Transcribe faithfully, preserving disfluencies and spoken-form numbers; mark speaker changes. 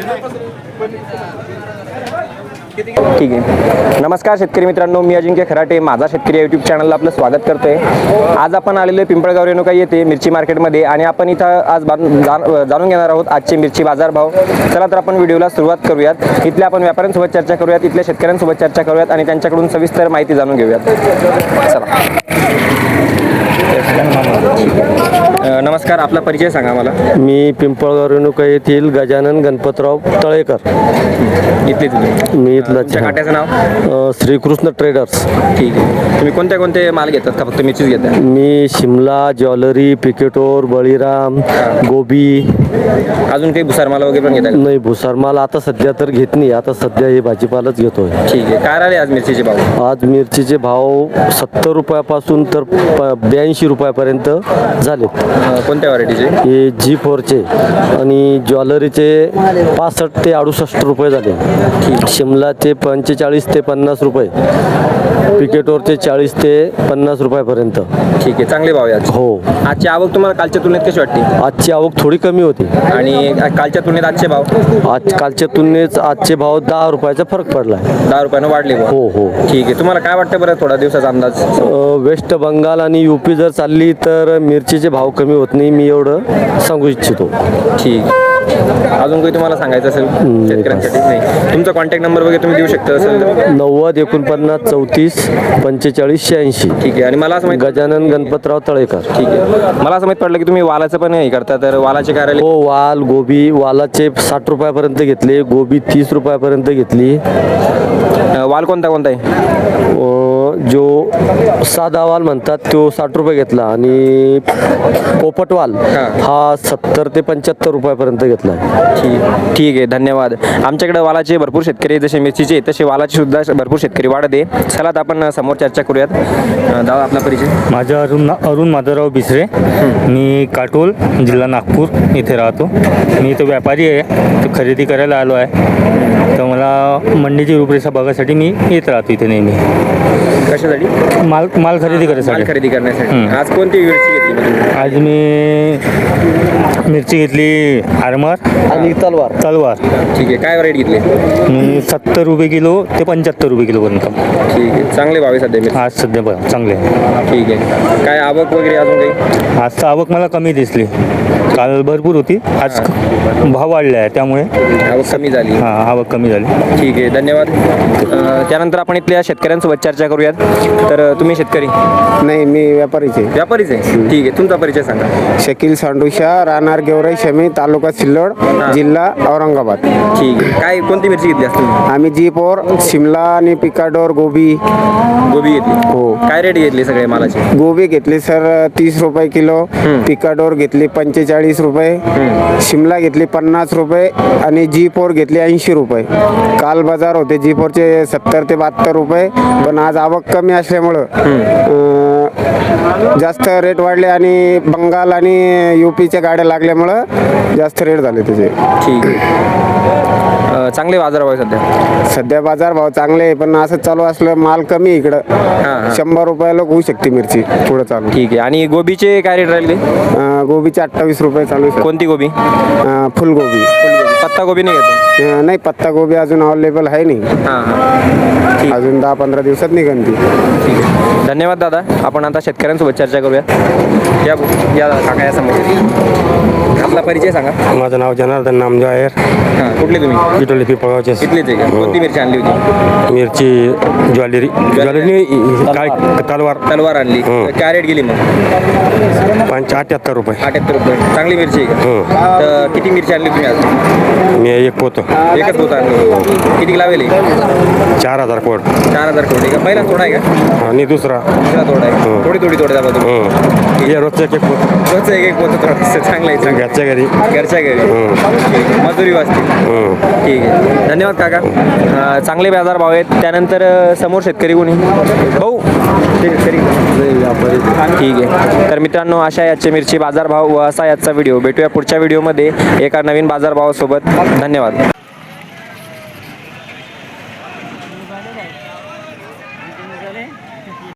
Speaker 1: ठीक आहे. नमस्कार शेतकरी मित्रांनो, मी अजिंक्य खराटे, माझा शेतकरी या यूट्यूब चॅनलला आपलं स्वागत करतोय. आज आपण आलेलो आहे पिंपळगाव रेणुका येथे मिरची मार्केटमध्ये आणि आपण इथं आज जाणून घेणार आहोत आजचे मिरची बाजारभाव. चला तर आपण व्हिडिओला सुरुवात करूयात. इथल्या आपण व्यापाऱ्यांसोबत चर्चा करूयात, इथल्या शेतकऱ्यांसोबत चर्चा करूयात आणि त्यांच्याकडून सविस्तर माहिती जाणून घेऊयात. चला. नमस्कार, आपला परिचय सांगा मला.
Speaker 2: मी पिंपळगाव रेणुका येथील गजानन गणपतराव तळेकर.
Speaker 1: इथले तुम्ही?
Speaker 2: मी इथला.
Speaker 1: काट्याचं नाव?
Speaker 2: श्रीकृष्ण ट्रेडर्स.
Speaker 1: ठीक आहे. तुम्ही कोणते कोणते माल घेतात का फक्त मिरचीच घेता?
Speaker 2: मी शिमला, ज्वेलरी, पिकेटोर, बळीराम, गोबी.
Speaker 1: अजून काही भुसार माल वगैरे पण घेता?
Speaker 2: नाही, भुसार माल आता सध्या तर घेत नाही. आता सध्या हे भाजीपालाच घेतोय.
Speaker 1: ठीक आहे. काय राहिले आज मिरचीचे भाव?
Speaker 2: आज मिरचीचे भाव सत्तर रुपयापासून तर ब्याऐंशी रुपयापर्यंत झाले.
Speaker 1: कोणत्या व्हरायटीचे?
Speaker 2: हे जी फोरचे आणि ज्वेलरीचे पासष्ट ते अडुसष्ट रुपये झाले. शिमलाचे पंचेचाळीस ते पन्नास रुपये, पिकेटोरचे चाळीस ते पन्नास रुपयापर्यंत.
Speaker 1: ठीक आहे. चांगले भाव आहे आज.
Speaker 2: हो.
Speaker 1: आजची आवक तुम्हाला कालच्या तुलनेत कशी वाटते?
Speaker 2: आजची आवक थोडी कमी होती.
Speaker 1: आणि कालच्या तुलनेत आजचे भाव?
Speaker 2: आज कालच्या तुलनेत आजचे भाव दहा रुपयाचा फरक पडला आहे.
Speaker 1: दहा रुपयानं वाढले.
Speaker 2: हो हो.
Speaker 1: ठीक आहे. तुम्हाला काय वाटतं बरं थोडा दिवसाचा अंदाज?
Speaker 2: वेस्ट बंगाल आणि यूपी जर चालली तर मिरचीचे भाव कमी होत नाही, मी एवढं सांगू इच्छितो.
Speaker 1: ठीक. अजून काही तुम्हाला सांगायचं असेल शेतकऱ्यांसाठी? नाही. तुमचा कॉन्टॅक्ट नंबर वगैरे तुम्ही देऊ शकता असेल?
Speaker 2: नव्वद एकोणपन्नास चौतीस पंचेचाळीस शहाऐंशी.
Speaker 1: ठीक आहे. आणि मला असं माहिती,
Speaker 2: गजानन गणपतराव तळेकर.
Speaker 1: ठीक आहे. मला असं माहित पडलं की तुम्ही वालाचं पण हे करता, तर वालाचे काय राहिले?
Speaker 2: हो, वाल गोबी. वालाचे साठ रुपयापर्यंत घेतले, गोबी तीस रुपयापर्यंत घेतली.
Speaker 1: वाल कोणता कोणता आहे?
Speaker 2: जो साधा वाल म्हणतात तो साठ रुपये घेतला आणि पोपट वाल हा सत्तर ते पंच्याहत्तर रुपयापर्यंत घेतला.
Speaker 1: ठीक ठीक आहे. धन्यवाद. आमच्याकडे वालाचे भरपूर शेतकरी जसे मिरचीचे तसे वालाचे सुद्धा भरपूर शेतकरी वाढत आहे. चला तर आपण समोर चर्चा करूयात. दादा, आपला परिचय?
Speaker 3: माझा अरुण अरुण माधवराव बिसरे. मी काटोल, जिल्हा नागपूर इथे राहतो. मी इथं व्यापारी आहे, तर खरेदी करायला आलो आहे. तर मला मंडीची रूपरेषा बघायसाठी मी येत राहतो इथे नेहमी.
Speaker 1: कशासाठी?
Speaker 3: माल माल खरेदी करायसाठी.
Speaker 1: खरेदी करण्यासाठी. आज कोणती मिरची घेतली?
Speaker 3: आज मी मिरची घेतली आरमार
Speaker 2: आणि तलवार.
Speaker 3: तलवार.
Speaker 1: ठीक आहे. काय रेट घेतली?
Speaker 3: मी सत्तर रुपये किलो ते पंच्याहत्तर रुपये किलो पर्यंत.
Speaker 1: ठीक आहे. चांगले भाव आहे सध्या
Speaker 3: आज सध्या बरं चांगले आहे.
Speaker 1: ठीक आहे. काय आवक वगैरे अजून काही?
Speaker 3: आज आवक मला कमी दिसली. काल भरपूर होती, आज भाव वाढले आहे त्यामुळे
Speaker 1: आवक कमी झाली.
Speaker 3: हां, आवक कमी झाली.
Speaker 1: ठीक आहे. धन्यवाद. त्यानंतर आपण इथल्या शेतकऱ्यांसोबत चर्चा करूयात. तर तुम्ही शेतकरी?
Speaker 4: नाही, मी व्यापारीचे.
Speaker 1: व्यापारीच आहे. ठीक आहे. तुमचा परिचय सांगा.
Speaker 4: शकील सांडुशा, राहणार गेवराई शमी, तालुका सिल्लोड, जिल्हा औरंगाबाद.
Speaker 1: ठीक आहे. काय कोणती मिरची घेतली असते?
Speaker 4: आम्ही जी फोर, शिमला आणि पिकाडोर, गोबी.
Speaker 1: गोबी घेतली?
Speaker 4: हो.
Speaker 1: काय रेट घेतली सगळे मालाचे?
Speaker 4: गोबी घेतली सर तीस रुपये किलो, पिकाडोर घेतली पंचेचाळीस रुपये, शिमला घेतली पन्नास रुपये आणि जी फोर घेतली ऐंशी रुपये. काल बाजार होते जी फोरचे सत्तर ते बहात्तर रुपये, पण आज आवक कमी असल्यामुळं जास्त रेट वाढले आणि बंगाल आणि यूपीच्या गाड्या लागल्यामुळं जास्त रेट झाले त्याचे.
Speaker 1: ठीक आहे. चांगले बाजार भाव सध्या?
Speaker 4: सध्या बाजार भाव चांगले आहे, पण असं चालू असलं माल कमी इकडं. शंभर रुपयाला होऊ शकते मिरची पुढं चालू.
Speaker 1: ठीक आहे. आणि गोबीचे काय रेट राहिले?
Speaker 4: गोबीचे अठ्ठावीस रुपये चालू आहे.
Speaker 1: कोणती गोबी?
Speaker 4: फुलगोबी.
Speaker 1: पत्ता गोबी नाही घेतो?
Speaker 4: नाही, पत्ता गोबी अजून अवेलेबल आहे नाही.
Speaker 1: हां हां.
Speaker 4: अजून दहा पंधरा दिवसात निघन ती.
Speaker 1: ठीक आहे. धन्यवाद दादा. आपण आता शेतकऱ्यांसोबत चर्चा करूया. या या काका या समोर. आपला परिचय सांगा.
Speaker 2: माझं नाव जनार्दन नामदेव आहे.
Speaker 1: हां. कुठले तुम्ही?
Speaker 2: इटोली पिंपळगावचे.
Speaker 1: इथलेच आहे का? कोणती मिरची आणली होती?
Speaker 2: मिरची ज्वेलरी. ज्वेलरी काय तलवार.
Speaker 1: तलवार आणली. काय रेट गेली मग?
Speaker 2: पंच अठ्याहत्तर रुपये.
Speaker 1: अठ्याहत्तर रुपये. चांगली मिरची आहे का? तर किती मिरची आणली तुम्ही आज?
Speaker 2: मी एक पोतो.
Speaker 1: एकच पोत आणली. किती लावेल?
Speaker 2: चार हजार कोड.
Speaker 1: चार हजार कोड आहे का? पहिला थोडा आहे का?
Speaker 2: आणि दुसरा
Speaker 1: दुसरा थोडा आहे. थोडी थोडी थोडी दाबा तुम्ही.
Speaker 2: हे रोजचं एक एक पोत.
Speaker 1: रोजचं एक एक पोत थोडं चांगलं आहे. चांगलं.
Speaker 2: घरच्या घरी.
Speaker 1: घरच्या घरी. मजुरी वाचते. ठीक आहे. धन्यवाद काका. चांगले बाजार भाव आहेत. त्यानंतर समोर शेतकरी कोणी? भाऊ शेतकरी. ठीक आहे. तर मित्रांनो, अशा याचे मिरची बाजारभाव व असा याचा व्हिडिओ. भेटूया पुढच्या व्हिडिओमध्ये एका नवीन बाजारभावासोबत. धन्यवाद.